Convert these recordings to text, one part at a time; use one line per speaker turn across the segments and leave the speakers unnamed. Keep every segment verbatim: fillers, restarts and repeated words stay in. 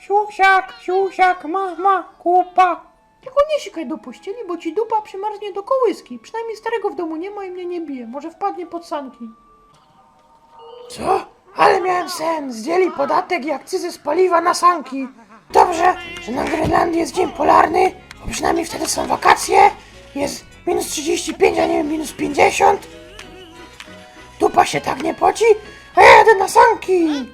Siusiak, siusiak, mama, kupa. Tylko nie sikaj do pościeli, bo ci dupa przymarznie do kołyski. Przynajmniej starego w domu nie ma i mnie nie bije. Może wpadnie pod sanki. Co? Ale miałem sen. Zdjęli podatek i akcyzę z paliwa na sanki. Dobrze, że na Grenlandii jest dzień polarny, bo przynajmniej wtedy są wakacje. Jest minus trzydzieści pięć, a nie minus pięćdziesiąt. Dupa się tak nie poci, a ja jadę na sanki.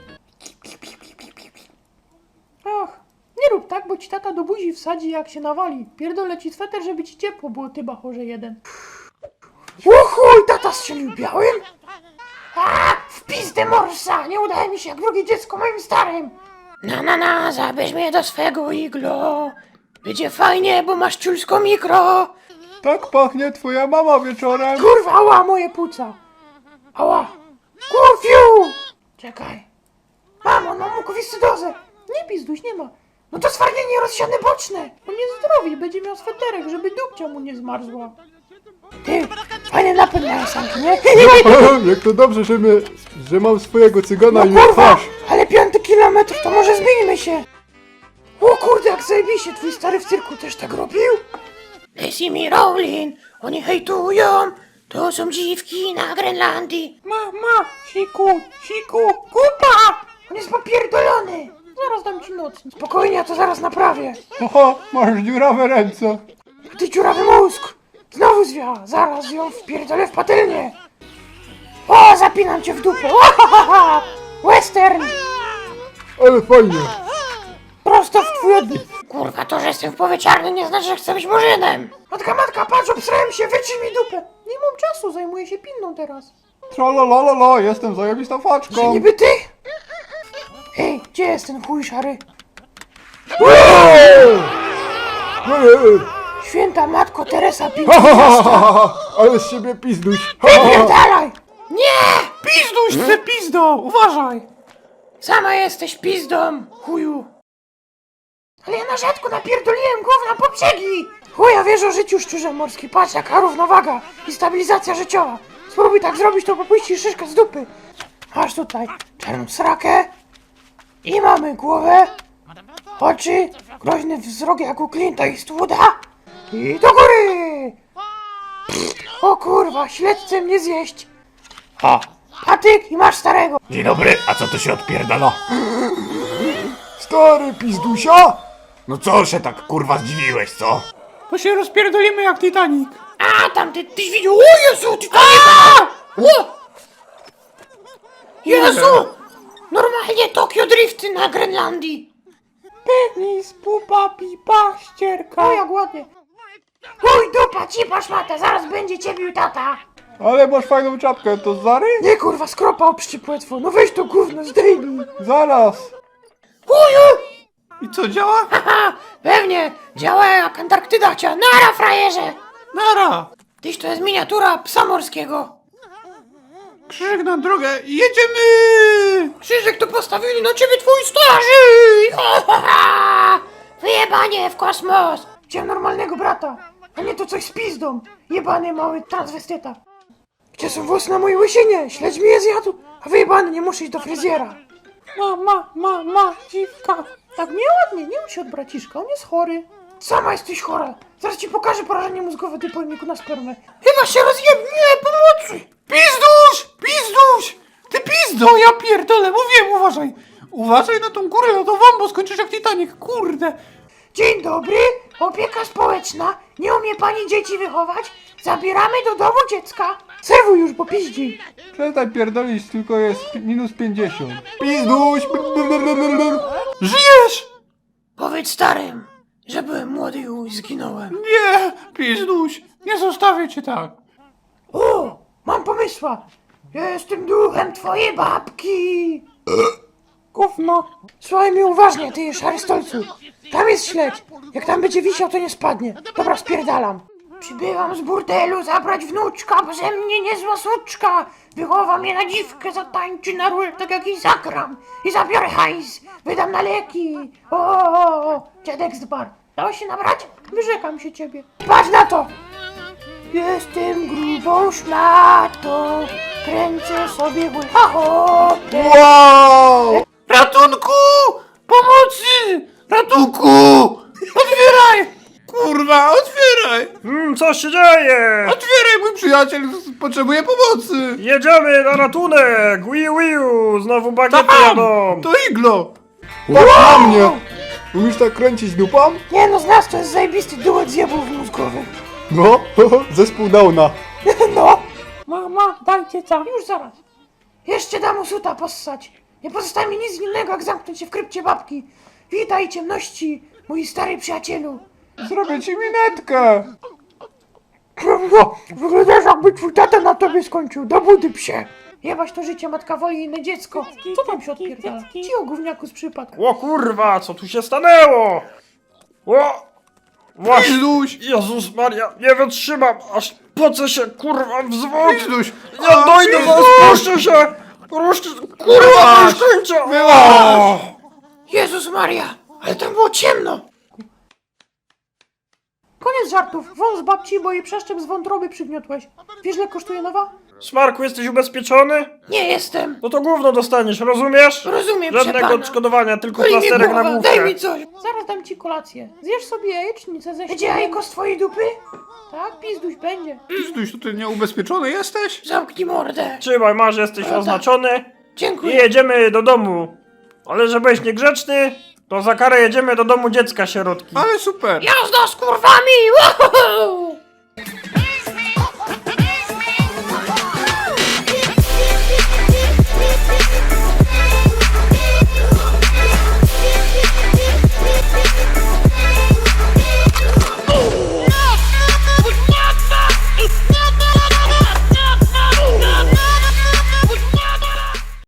Ach, nie rób tak, bo ci tata do buzi wsadzi jak się nawali. Pierdolę ci sweter, żeby ci ciepło było, ty bachorze jeden. Uchuj, tata strzelił białym? A, w pizdę morsa! Nie udaje mi się jak drugie dziecko moim starym! Na na na, zabierz mnie do swego iglo. Będzie fajnie, bo masz ciulsko mikro.
Tak pachnie twoja mama wieczorem.
Kurwa, ała, moje płuca. Ała. Kurfiu! Czekaj. Mamo, mam mukowiscydozę. Nie pizduś, nie ma. No to zwarnienie rozsiane boczne. On jest zdrowy, będzie miał sweterek, żeby dupcia mu nie zmarzła. Ty, fajny napęd mają sanki, nie?
Jak to dobrze, że, my, że mam swojego cygana
No
i mnie
kurwa,
twarz.
ale piąty kilometr, to może zmieńmy się. O kurde, jak zajebiście, twój stary w cyrku też tak robił? Lacey mi Rowling, oni hejtują, to są dziwki na Grenlandii. Mama, siku, siku, kupa! On jest popierdolony. Zaraz dam ci noc. Spokojnie, ja to zaraz naprawię.
Oho, masz dziurawe ręce.
A ty dziurawy mózg! Znowu zwia, zaraz ją wpierdolę w patelnię. O, zapinam cię w dupę. Ohahaha! Western!
Ale fajnie.
Prosto w twój odbyt. Kurwa, to, że jestem w połowie czarny, nie znaczy, że chcę być murzynem. Matka, matka, patrz, obsrałem się, wytrzyj mi dupę. Nie mam czasu, zajmuję się pinną teraz.
Trololololo, jestem zajebistą
Że
faczką.
niby ty? Ej, gdzie jest ten chuj szary? Święta matko Teresa Pinta.
Ale z siebie pizduś.
Wypierdalaj! Nie! Pizduś, ty pizdo! Uważaj! Sama jesteś pizdą, chuju! Ale ja na rzadko napierdoliłem gówna po brzegi! Chuja wiesz o życiu, szczurze morski, patrz jaka równowaga i stabilizacja życiowa. Spróbuj tak zrobić, to popuścisz szyszkę z dupy. Masz tutaj czarną srakę i mamy głowę, oczy, groźny wzrok jak u Clint'a Eastwooda i do góry! O kurwa, śledźcie mnie zjeść!
Ha!
Patyk i masz starego!
Dzień dobry, a co to się odpierdala?
Stary pizdusia?
No co się tak kurwa zdziwiłeś, co?
Bo się rozpierdolimy jak Titanic! A, tam ty, tyś widział, o Jezu, Titanic! O! Jezu! Normalnie Tokio Drifty na Grenlandii! Penis, pupa, pipa, ścierka... O, jak ładnie! Chuj, dupa, cipa, szmata, zaraz będzie cię bił tata!
Ale masz fajną czapkę, to Zary?
Nie kurwa, skropa obszczypłetwo, no weź to gówno, zdejmij!
Zaraz.
Chuju!
I co, działa?
Haha, pewnie, działa jak Antarktyda chciała, nara frajerze!
Nara.
Tyś to jest miniatura psa morskiego!
Krzyżyk na drogę, jedziemy!
Krzyżyk tu postawili na ciebie twój starzy! Ha, ha, ha! Wyjebanie w kosmos! Chciałem normalnego brata, a nie to coś z pizdą! Jebany mały transwestyta! Gdzie są włosy na mojej łysinie? Śledź mi je zjadł! A wyjebany, nie muszę iść do fryzjera! Mama, mama, dziwka! Tak mnie ładnie, nie uś się od braciszka, on jest chory. Sama jesteś chora! Zaraz ci pokażę porażenie mózgowe ty pojemniku na spermę. Chyba się rozjeb... Nie, pomocy!
Pizduś! Pizduś! Ty pizdo, ja pierdolę, mówiłem, uważaj! Uważaj na tą górę lodową, bo skończysz jak Titanic, kurde!
Dzień dobry, opieka społeczna. Nie umie pani dzieci wychować? Zabieramy do domu dziecka. Serwuj już, bo piździ.
Przestań pierdolić, tylko jest minus pięćdziesiąt. Pizduś! Żyjesz!
Powiedz starym, że byłem młody i zginąłem.
Nie, pizduś, nie zostawię cię tak.
O, mam pomysła. Ja jestem duchem twojej babki. Gówno. Słuchaj mi uważnie, ty szary stolcu. Tam jest śledź. Jak tam będzie wisiał, to nie spadnie. Dobra, spierdalam. Przybywam z burdelu zabrać wnuczka, bo ze mnie niezła suczka. Wychowa mnie na dziwkę, zatańczy na rul, tak jak i zagram. I zabiorę hajs, wydam na leki. O, o, o, dziadek z bar. Dało się nabrać? Wyrzekam się ciebie. Patrz na to! Jestem grubą szmatą, kręcę sobie łycha hopę.
Wow!
Ratunku! Pomocy!
Ratunku! Otwieraj! Kurwa, otwieraj!
Hmm, co się dzieje?
Otwieraj, mój przyjaciel potrzebuje pomocy!
Jedziemy na ratunek! Wiu, wiu! Znowu bagiety
Tam!
jadą!
To iglo!
Patrz na mnie! Umiesz tak kręcić dupą?
Nie no, z nas to jest zajebisty duet zjebów mózgowych.
No, zespół Downa.
No. Mama, dajcie co? Już zaraz. Jeszcze dam mu suta possać. Nie pozostaje mi nic innego, jak zamknąć się w krypcie babki. Witaj ciemności, mój stary przyjacielu.
Zrobię ci minetkę!
No, wyglądasz jakby twój tata na tobie skończył. Do budy psie. Jebać to życie, matka woli inne dziecko. Co tam się odpierdala? Ci o gówniaku z przypadku.
O kurwa, co tu się stanęło? O! Właśnie,
Pizduś!
Jezus Maria, nie wytrzymam, aż pocę się, kurwa, w zwłok!
Pizduś!
Ja dojdę, zaraz puszczę się! Ruszcie, kurwa, już kończę! O!
Jezus Maria, ale tam było ciemno. Koniec żartów. Wąs babci, bo jej przeszczep z wątroby przygniotłeś. Wiesz, ile kosztuje nowa?
Smarku, jesteś ubezpieczony?
Nie jestem.
No to gówno dostaniesz, rozumiesz?
Rozumiem,
Żadnego
przepana.
odszkodowania, tylko
Boli mnie
plasterek na
głowa,
główkę.
daj mi coś. Zaraz dam ci kolację. Zjesz sobie jajecznicę ze Będzie jajko z twojej dupy? Tak, pizduś będzie.
Pizduś, to ty nieubezpieczony jesteś?
Zamknij mordę.
Trzymaj, masz, jesteś
Prawda?
oznaczony i
Dziękuję.
jedziemy do domu. Ale żebyś niegrzeczny, to za karę jedziemy do domu dziecka sierotki.
Ale super!
Jazda z kurwami! Woohoo!